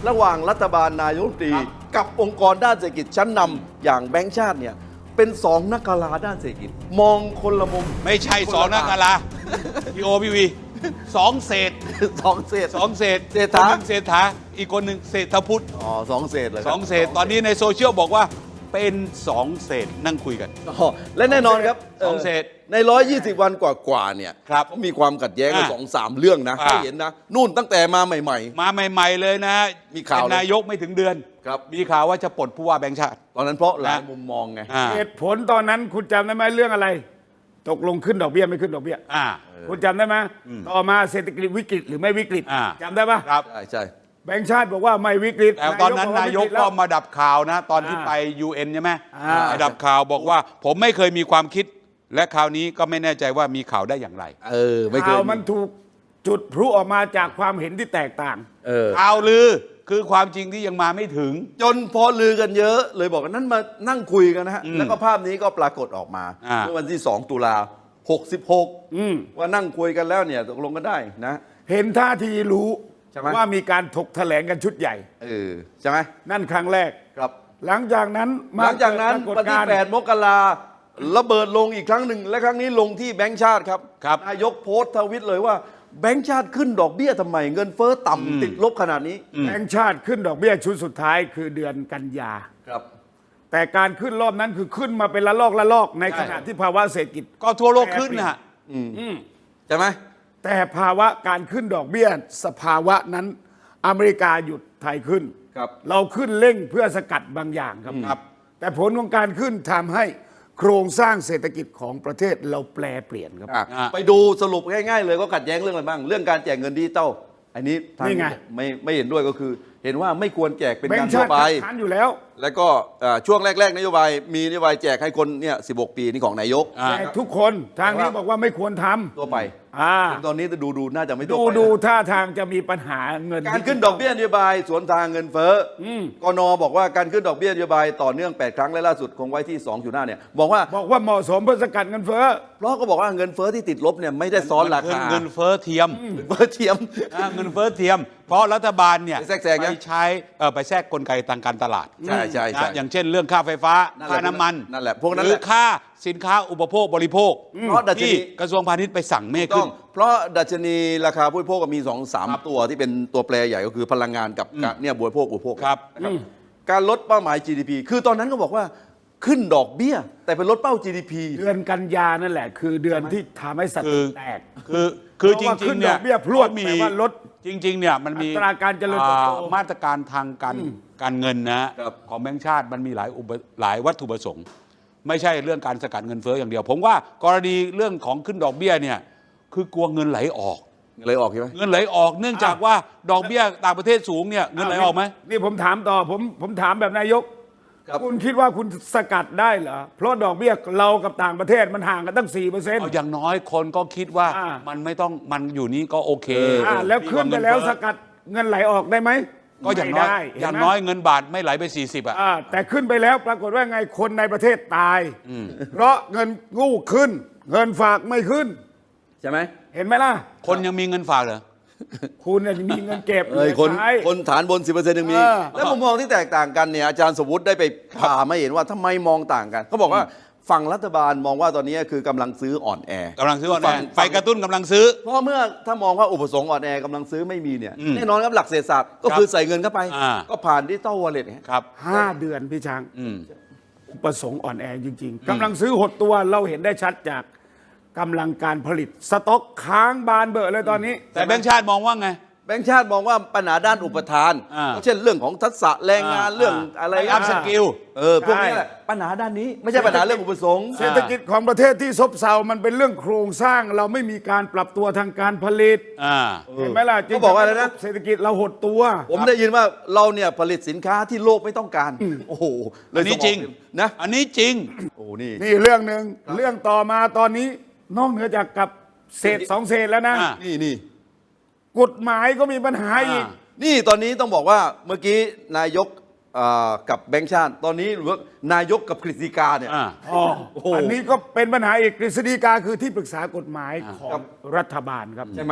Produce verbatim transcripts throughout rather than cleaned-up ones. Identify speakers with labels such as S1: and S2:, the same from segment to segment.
S1: ระหว่างรัฐบาลนายกรัฐมนตรีกับองค์กรด้านเศรษฐกิจชั้นนำอย่างแบงก์ชาติเนี่ยเป็นสองนักการาด้านเศรษฐกิจมองคนละมุม
S2: ไม่ใช่สองนักการาพี่โอพี่วีสองเศษ
S1: สองเศษ
S2: สองเศษ
S1: เศรษฐา
S2: คนหนึ่งเศรษฐาอีกคนหนึ่งเศรษฐพุทธ
S1: อ๋อสองเศษเลย
S2: สองเศษตอนนี้ในโซเชียลบอกว่าเป็นสองเศษนั่งคุยกัน
S1: อ๋อและแน่นอนครับ
S2: สองเศษ
S1: ในร้อยยี่สิบวันกว่าๆเนี่ย
S2: ครับ
S1: เขามีความขัดแย้งกัน
S2: อ่า
S1: สองสามเรื่องนะ
S2: อ่า
S1: ให้เห็นนะนู่นตั้งแต่มาใหม่
S2: มาใหม่ ๆเลยนะ
S1: มีข่าว
S2: เป็นนายกไม่ถึงเดือน
S1: ครับ
S2: มีข่าวว่าจะปลดผู้ว่าแบงค์ชาติ
S1: ๆ ตอนนั้นเพราะหลาย
S2: นะ
S1: มุมมองไง
S2: อ่า
S3: เหตุผลตอนนั้นคุณจำได้ไหมเรื่องอะไร ตกลงขึ้นดอกเบี้ยไม่ขึ้นดอกเบี้ย
S2: อ่า
S3: คุณจำได้ไหมต่อมาเศรษฐกิจวิกฤตหรือไม่วิกฤต
S2: อ่า
S3: จำได้ปะ
S2: ครับ
S1: ใช่ใช่
S3: แบงก์ชาติบอกว่าไม่วิกฤต
S2: แต่ตอนนั้นนายก
S3: บอว่วิฤต
S2: ก็
S3: แล้ว
S2: มาดับข่าวนะ ตอนที่
S3: อ่า
S2: ไป ยู เอ็น ใช่ไหม
S3: อ่า
S2: ไปดับข่าวบอกว่าผมไม่เคยมีความคิด และคราวนี้ก็ไม่แน่ใจว่ามีข่าวได้อย่างไร
S1: เออไม่เคย
S3: ข่าวมันถูกจุดพลุออกมาจากความเห็นที่แตกต่าง
S1: เออ
S2: ข่าวลือคือความจริงที่ยังมาไม่ถึง
S1: จนพอลือกันเยอะเลยบอกว่านั้นมานั่งคุยกันนะฮะ
S2: อืม
S1: แล้วก็ภาพนี้ก็ปรากฏออกมา
S2: อ่า
S1: เมื่อวันที่สองตุลาหกสิบหก
S3: อืม
S1: ว่านั่งคุยกันแล้วเนี่ยตกลงกันได้นะ
S3: เห็นท่าทีรู้
S1: ใช่ไหม
S3: ว่ามีการถกแถลงกันชุดใหญ่
S1: เออใช่ไหม
S3: นั่นครั้งแรก
S1: ครับ
S3: หลังจากนั้น
S1: หลังจากนั้น
S3: เกิดป
S1: วัน
S3: รากฏ
S1: ที่
S3: การณ์
S1: แปดมกราระเบิดลงอีกครั้งหนึ่งและครั้งนี้ลงที่แบงก์ชาติครับ
S2: ครับ
S1: นายกโพสต์ทวิตเลยว่าแบงก์ชาติขึ้นดอกเบี้ยทำไม เงินเฟ้อต่ำติดลบขนาดนี้
S3: แบงก์ชาติขึ้นดอกเบี้ยชุดสุดท้ายคือเดือนกันยา
S1: ครับ
S3: แต่การขึ้นรอบนั้นคือขึ้นมาเป็นละลอกละลอกใน
S1: ใช่
S3: ขณะที่ภาวะเศรษฐกิจ
S2: ก็ทั่วโลกขึ้นนะ
S1: ใช่ไหม
S3: แต่ภาวะการขึ้นดอกเบี้ยสภาวะนั้นอเมริกาหยุดไทยขึ้น
S1: ครับ
S3: เราขึ้นเร่งเพื่อสกัดบางอย่างครับ
S2: ครับ
S3: แต่ผลของการขึ้นทำให้โครงสร้างเศรษฐกิจของประเทศเราแปลเปลี่ยนครับ
S1: อ่ะ
S2: อ่ะ
S1: ไปดูสรุปง่ายๆเลยก็ขัดแย้งเรื่องอะไรบ้าง เรื่องการแจกเงินดิจิตอลอันนี้ทาง
S3: นี่ไง
S1: ไม่ไม่เห็นด้วยก็คือ เห็นว่าไม่ควรแจกเป็น
S3: แบง
S1: การ
S3: ก์
S1: ทั่
S3: ชาว ติ
S1: ไป
S3: คัดค้านอยู่แล้ว
S1: แล้วก็เอ่อช่วงแรกๆนโยบายมีนโยบายแจกให้คนเนี่ยสิบหกปีนี่ของนายก
S2: อ่า
S3: แต่ทุกคนทางนี้บอกว่าไม่ควรท
S1: ตัวไป
S3: ำอ่า
S1: ตอนนี้ดูดูน่าจะไม่ตัว
S3: ดู
S1: ไปนะ
S3: ดูท่าทางจะมีปัญหาเงิน
S1: การขึ้นดอกเบี้ยนโยบายสวนทางเงินเฟ้ออกนบอกว่าการขึ้นดอกเบี้ยนโยบายต่อเนื่องแปดครั้งและล่าสุดคงไว้ที่ สองจุดห้า เนี่ยบอกว่า
S3: บอกว่าเหมาะสมเพื่อสกัดเงินเฟ้อ
S1: เพราะก็บอกว่าเงินเฟ้อที่ติดลบเนี่ยไม่ได้ซ้อนราคา
S2: เงินเฟ้อเทียม
S1: เงินเฟ้อเทียม
S2: อ่าเงินเฟ้อเทียม เพราะรัฐบาลเนี่ย
S1: ไปแทรกแซงนะ
S2: ไปใช้เอ่อไปแทรกกลไกทางการตลาด
S1: ใช่ใช่ใช่
S2: นะอย่างเช่นเรื่องค่าไฟฟ้า
S1: นั่นแหละ
S2: ค่าน้ำมัน
S1: นั่นแหละพวกนั้น
S2: หรื
S1: แห
S2: อ
S1: ละ
S2: ค่าสินค้าอุปโภคบริโภค
S1: เพราะดัชนี
S2: ที่กระทรวงพาณิชย์ไปสั่งไม่ให้
S1: ต้
S2: ขึ้
S1: อน งเพราะดัชนีราคาผู้บริโภคก็มีสองสาม
S2: ครับ
S1: ตัวที่เป็นตัวแปรใหญ่ก็คือพลังงานกับการเนี่ยบริโภคอุปโภค
S2: ครับ
S1: นะครับการลดเป้าหมาย จี ดี พี คือตอนนั้นก็บอกว่าขึ้นดอกเบี้ย แต่เป็นลดเป้า จี ดี พี
S3: เดือนกันยานั่นแหละ คือเดือนที่ทำให้ส
S2: คื
S3: ติ
S2: อ
S3: แตก
S2: คือคือจ
S3: เพราะว่า
S2: ริ
S3: ขึ้
S2: ง
S3: น
S2: ๆเนี่ย
S3: ดอกเบี้ยพรวด
S2: เขามี
S3: แต่ว่าลด
S2: จริง ๆ เนี่ยมันมี
S3: อัตราการเจริญเติบโต
S2: อ่ามาตรการทางการการเงินนะของแบงก์ชาติมันมีหลายอุปหลายวัตถุประสงค์ ไม่ใช่เรื่องการสกัดเงินเฟ้ออย่างเดียว ผมว่ากรณีเรื่องของขึ้นดอกเบี้ยเนี่ยคือกลัวเงินไหลออก
S1: เลยออกใช่ไหม
S2: เงินไหลออกเนื่องจากว่าดอกเบี้ยต่างประเทศสูงเนี่ยเงินไหลออกไหม
S3: นี่ผมถามต่อผมผมถามแบบนายก
S1: ครับ
S3: คุณคิดว่าคุณสกัดได้เหรอ เพราะดอกเบี้ยเรากับต่างประเทศมันห่างกันตั้ง สี่เปอร์เซ็นต์
S2: เอาอย่างน้อยคนก็คิดว่า
S3: อ่า
S2: มันไม่ต้องมันอยู่นี้ก็โอเค
S3: อ่าแล้วขึ้นไปแล้ว
S2: ดีกาเงิ
S3: ส
S2: เฟ้อ
S3: กัดเงินไหลออกได้ไหม
S2: ก็อย่างน้อย
S3: ไม่ได้
S2: อย่าง
S3: เห็นไหม
S2: น้อยเงินบาทไม่ไหลไปสี่สิบอ่ะ
S3: อ่าแต่ขึ้นไปแล้วปรากฏว่าไงคนในประเทศตาย เพราะเงินกู้ขึ้น เงินฝากไม่ขึ้น
S1: ใช่ไหม
S3: เห็นไหมล่ะ
S2: คนยังมีเงินฝากเหรอ
S3: คุณเนี่ยมีเงินเก็บ
S1: เอ้ยคน
S3: ใช้
S1: คนฐานบน สิบเปอร์เซ็นต์ ยังมี
S3: เออ
S1: แล้วมุมมองที่แตกต่างกันเนี่ยอาจารย์สมวุฒิได้ไปผ่ามาเห็นว่าทำไมมองต่างกันเขาบอกว่าฝั่งรัฐบาลมองว่าตอนนี้คือกำลังซื้ออ่อนแอก
S2: ำลังซื้ออ่อน
S1: ฝั่
S2: แอง ไปกระตุ้นกำลังซื้อ
S1: เพราะเมื่อถ้ามองว่าอุปสงค์อ่อนแอกำลังซื้อไม่มีเนี่ย
S2: อืม
S1: แน่นอนครับหลักเศรษฐศาสตร์ก็
S2: ครับ
S1: คือใส่เงินเข้าไป
S2: อ่า
S1: ก็ผ่านดิจิตอลวอลเล็ต
S2: ครับ
S3: ห้าเดือนพี่ช้าง
S2: อืม
S3: ประสงค์อ่อนแอจริง ๆกำลังซื้อหดตัวเราเห็นได้ชัดจากกำลังการผลิตสต็อกค้างบานเบอะเลยตอนนี้
S2: แต่แบงค์ชาติมองว่าไง
S1: แบงก์ชาติมองว่าปัญหาด้านอุปทาน
S2: อ่า
S1: เช่นเรื่องของทักษะแรงงาน
S2: อ่า
S1: เรื่องอะไร
S2: ไปอัพสกิล
S1: เออพวกนี้แหละปัญหาด้านนี้ไม่ใช่ปัญหาเรื่องอุปสงค์
S3: เศรษฐกิจของประเทศที่ซบเซามันเป็นเรื่องโครงสร้างเราไม่มีการปรับตัวทางการผลิต
S2: อ่า
S3: เห็นไหมล่ะ
S1: เขาบอกว่าอะไรนะ
S3: เศรษฐกิจเราหดตัว
S1: ผมได้ยินว่าเราเนี่ยผลิตสินค้าที่โลกไม่ต้องการ โอ้โหเล
S2: อั
S1: ย
S2: นนี้
S1: สมอ
S2: จริง
S1: นะ
S2: อันนี้จริง
S1: โอ้นี่
S3: นี่เรื่องหนึ่งเรื่องต่อมาตอนนี้นอกเหนือจากกับเศษสองเศษแล้วนะ
S2: อ่า
S1: นี่นี่
S3: กฎหมายก็มีปัญหาอีก
S1: นี่ตอนนี้ต้องบอกว่าเมื่อกี้นายกอ่ากับแบงค์ชาติ ตอนนี้หรือว่านายกกับกฤษฎีกาเนี่ย
S2: อ่า
S3: อ๋อ
S1: โอ้โห
S3: อันนี้ก็เป็นปัญหาอีกกฤษฎีกาคือที่ปรึกษากฎหมายของรัฐบาลครับ
S1: ใช่ไหม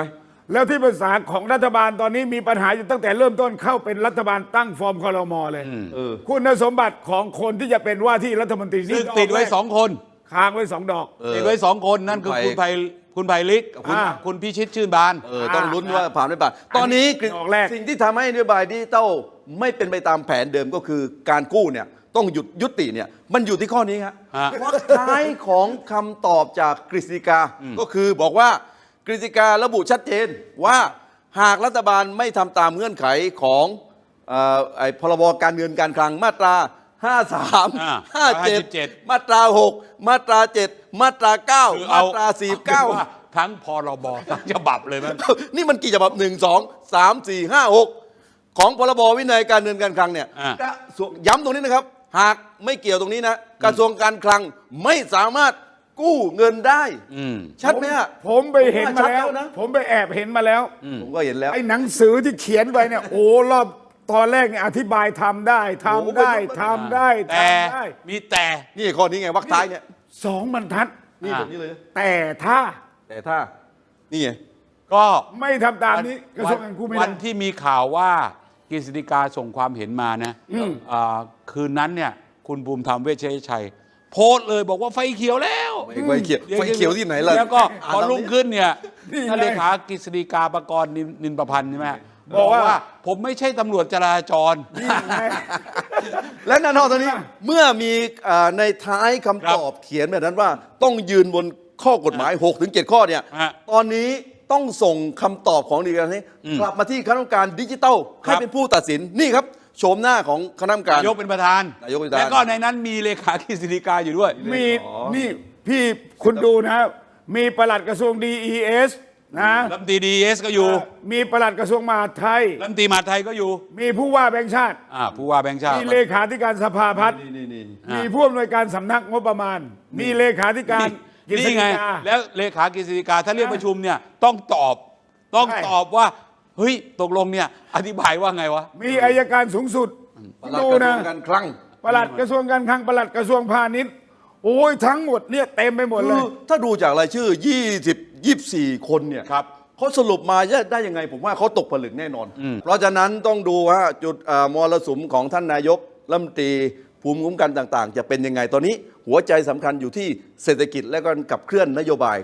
S3: แล้วที่ปรึกษาของรัฐบาลตอนนี้มีปัญหาอยู่ตั้งแต่เริ่มต้นเข้าเป็นรัฐบาลตั้งฟอร์มครมเลย
S1: เออ
S3: คุณสมบัติของคนที่จะเป็นว่าที่รัฐมนตรี
S2: ซึ่งติดไว้สองคน
S3: ค้างไว้สองดอก
S1: เออ
S2: ติดไว้สองคนนั่นคือ
S1: คุ
S2: คุณ
S1: ณ
S2: ไพ
S1: ไพ
S2: คุณไพลิก
S3: คุณ
S2: อ่าคุณพิชิตชื่นบาน
S1: เออต้องลุ้นว่าผ่านไม่ผ่านตอนนี้
S3: ดอกแรก
S1: สิ่งที่ทำให้นโยบายดิจิตอลไม่เป็นไปตามแผนเดิมก็คือการกู้เนี่ยต้องหยุดยุติเนี่ยมันอยู่ที่ข้อนี้ครับ
S2: ฮะ
S1: วรรคท้ายของคำตอบจากกฤษฎีกาก็คือบอกว่ากฤษฎีการะบุชัดเจนว่าหากรัฐบาลไม่ทำตามเงื่อนไขของเอ่อไอ้พรบการเงินการคลังมาตรา ห้าสาม
S2: อ่า
S1: ห้าเจ็ด
S2: ห้าสิบเจ็ด
S1: มาตรา หก มาตรา เจ็ด มาตรา เก้า
S2: คือ
S1: มา
S2: เอา
S1: ตรา สี่สิบเก้า
S2: อป็นว่าทั้งพรบทั้งฉบับเลยมั้ง
S1: นี่มันกี่ฉบับหนึ่งสองสามสี่ห้าหกของพรบวินัยการเงินการคลังเนี่ย
S2: อ่า
S1: กระทรวงย้ำตรงนี้นะครับ หากไม่เกี่ยวตรงนี้นะ กระทรวงการคลังไม่สามารถกู้เงินได้
S2: อืม
S1: ชัดไหมฮะ
S3: ผมไปเห็นมาแล้ว
S1: ชัดนะ
S3: ผมไปแอบเห็นมาแล้ว
S1: ผมก็เห็นแล้ว
S3: ไอ้หนังสือที่เขียนไว้เนี่ยโอ้รอบตอนแรกเนี่ยอธิบายทำได้ทำได้
S1: โอ้โห
S3: ทำได้
S2: แต่
S3: ทำได้
S2: มีแต่
S1: นี่ข้อนี้ไงวรรคท้ายเนี่ย
S3: สองบรรทัด
S1: นี่
S2: อ่า
S1: แบบนี้เลยนะ
S3: แต่ถ้า
S1: แต่ถ้า นี่ไง
S2: ก็
S3: ไม่ทำตามนี้กระทรวงการคลังไม่
S2: วั
S3: ได้
S2: นที่มีข่าวว่ากฤษฎีกาส่งความเห็นมานะอ่าคืนนั้นเนี่ยคุณภูมิธรรมเวชยชัย โพสต์เลยบอกว่าไฟเขียวแล้ว
S1: ไฟเขียวไฟเขียวที่ไหนล่ะ
S2: แล้วก็
S1: อ่าน
S2: พอ
S1: ตามนี้
S2: รุ่งขึ้นเนี่ย
S3: นี่ไง
S2: ท่านเลขากฤษฎีกาประกรณ์นินนินประพันธ์ใช่ไหม
S3: บอกว่า
S2: ผมไม่ใช่ตำรวจจราจร
S3: นี่ไง
S1: และแน่นอนตอนนี้เมื่อมีอ่าในท้ายคำตอบเขียนแบบนั้นว่าต้องยืนบนข้อกฎหมาย หกถึงเจ็ดข้อเนี่ย
S2: ฮะ
S1: ตอนนี้ต้องส่งคำตอบของดีการนี้
S2: อืม
S1: กลับมาที่คณะกรรมการดิจิทัล
S2: ครั
S1: ให้
S2: บ
S1: เป็นผู้ตัดสินนี่ครับโฉมหน้าของคณะกรรมการ
S2: นายกเป็นประธาน
S1: นายกเป็นประธาน
S2: แล้วก็ในนั้นมีเลขากฤษฎีกาอยู่ด้วย
S3: มีนี่พี่คุณดูนะ มีปลัดกระทรวง ดี อี เอส นะ
S2: รัฐมนตรีดีเอสก็อยู่
S3: มีปลัดกระทรวงมหาดไทย
S2: รัฐมนตรีมหาดไทยก็อยู่
S3: มีผู้ว่าแบงค์ชาติ
S2: อ่าผู้ว่าแบงค์ชาติ
S3: มีเลขาธิการสภาพัฒน์
S1: นี่นี่นี่
S2: อ่ามี
S3: มีผู้อำนวยการสำนักงบประมาณ มีเลขาธิการกฤษ
S2: นี่
S3: ฎี
S2: ไง
S3: กา
S2: แล้วเลขากฤษฎีกาถ้าเรียกประชุมเนี่ยต้องตอบต้อง
S3: ใช่
S2: ตอบว่าเฮ้ยตกลงเนี่ยอธิบายว่าไงวะ
S3: มีอายการสูงสุด
S1: ปลัด
S3: ดู
S1: กระทร
S3: นะ
S1: วงการคลัง
S3: ปลัดกระทรวงการคลังปลัดกระทรวงพาณิชย์โอ้ยทั้งหมดเนี่ยเต็มไปหมดเล
S1: คื
S3: ย
S1: อถ้าดูจากรายชื่อ ยี่สิบ ยี่สิบสี่ คนเนี่ย
S2: ครับ
S1: เขาสรุปมาได้ยังไง ผมว่าเขาตกผลึกแน่นอน เพราะฉะนั้นต้องดูว่าจุดเอ่อมรสุมของท่านนายกรัฐมนตรีภูมิคุ้มกันต่างๆ จะเป็นยังไงตอนนี้หัวใจสำคัญอยู่ที่เศรษฐกิจและการขับเคลื่อนนโยบาย